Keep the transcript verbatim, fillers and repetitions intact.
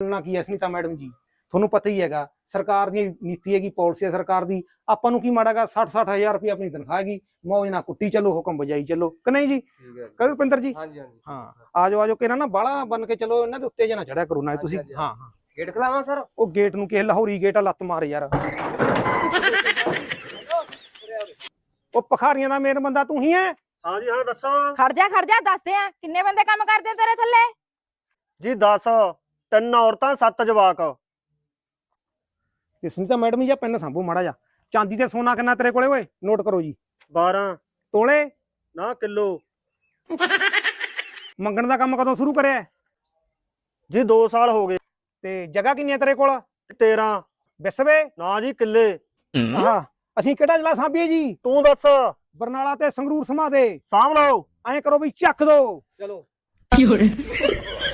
ਬੋਲਣਾ ਕੀ ਹੈ ਸੁਨੀਤਾ ਮੈਡਮ ਜੀ, ਤੁਹਾਨੂੰ ਪਤਾ ਹੀ ਹੈਗਾ ਸਰਕਾਰ ਦੀ ਨੀਤੀ ਹੈਗੀ, ਪਾਲਿਸੀ ਹੈ ਸਰਕਾਰ ਦੀ। ਆਪਾਂ ਨੂੰ ਕੀ ਮਾੜਾਗਾ, ਸੱਠ ਸੱਠ ਹਜ਼ਾਰ ਰੁਪਏ ਆਪਣੀ ਤਨਖਾਹ ਹੈਗੀ, ਮੌਜ ਨਾਲ ਕੁੱਟੀ ਚੱਲੋ, ਹੁਕਮ ਬਜਾਈ ਚੱਲੋ ਕਿ ਨਹੀਂ ਜੀ? ਕਹੋ ਰੁਪਿੰਦਰ ਜੀ। ਹਾਂ ਆ ਜਾਓ ਆ ਜਾਓ, ਕਿਹੜਾ ਨਾ ਬਾਹਲਾ ਬਣ ਕੇ ਚਲੋ, ਇਹਨਾਂ ਦੇ ਉੱਤੇ ਜੇ ਨਾ ਚੜਿਆ ਕਰੋ ਨਾ ਤੁਸੀਂ। ਹਾਂ ਹਾਂ ਗੇਟ ਖਲਾਵਾਂ ਸਰ? ਉਹ ਗੇਟ ਨੂੰ ਕਿਸੇ ਲਾਹੌਰੀ ਗੇਟ ਆ, ਲੱਤ ਮਾਰ ਯਾਰ। ਉਹ ਭਖਾਰੀਆਂ ਦਾ ਮੇਨ ਬੰਦਾ ਤੂੰ ਹੀ ਹੈ? ਹਾਂ ਜੀ ਹਾਂ, ਦੱਸੋ। ਖੜ ਜਾ ਖੜ ਜਾ, ਦੱਸਦੇ ਆ ਕਿੰਨੇ ਬੰਦੇ ਕੰਮ ਕਰਦੇ ਤੇਰੇ ਥੱਲੇ? ਜੀ ਦਸ, ਤਿੰਨ ਔਰਤਾਂ ਸੱਤ ਜਵਾਕ। ਤੇ ਸੁਨੀਤਾ ਮੈਡਮ ਜੀ ਪੈਨ ਸਾਂਭੋ ਮਾੜਾ ਜਾ। ਚਾਂਦੀ ਤੇ ਸੋਨਾ ਕਿੰਨਾ ਤੇਰੇ ਕੋਲੇ ਓਏ, ਨੋਟ ਕਰੋ ਜੀ। ਬਾਰਾਂ ਤੋਲੇ ਨਾ ਕਿਲੋ। ਮੰਗਣ ਦਾ ਕੰਮ ਕਦੋਂ ਸ਼ੁਰੂ ਕਰਿਆ? ਜੀ ਦੋ ਸਾਲ ਹੋ ਗਏ। ਤੇ ਜਗ੍ਹਾ ਕਿੰਨੀ ਹੈ ਤੇਰੇ ਕੋਲ? ਤੇਰਾਂ। ਵਿਸਵੇ ਨਾ ਜੀ ਕਿੱਲੇ। ਆਹ ਅਸੀਂ ਕਿਹੜਾ ਜ਼ਿਲ੍ਹਾ ਸਾਂਭੀਏ ਜੀ? ਤੂੰ ਦੱਸ। ਬਰਨਾਲਾ ਤੇ ਸੰਗਰੂਰ ਸਮਾ ਦੇ। ਸਾਂਭ ਲਓ। ਐਂ ਕਰੋ ਵੀ ਚੱਕ ਦੋ। ਚਲੋ।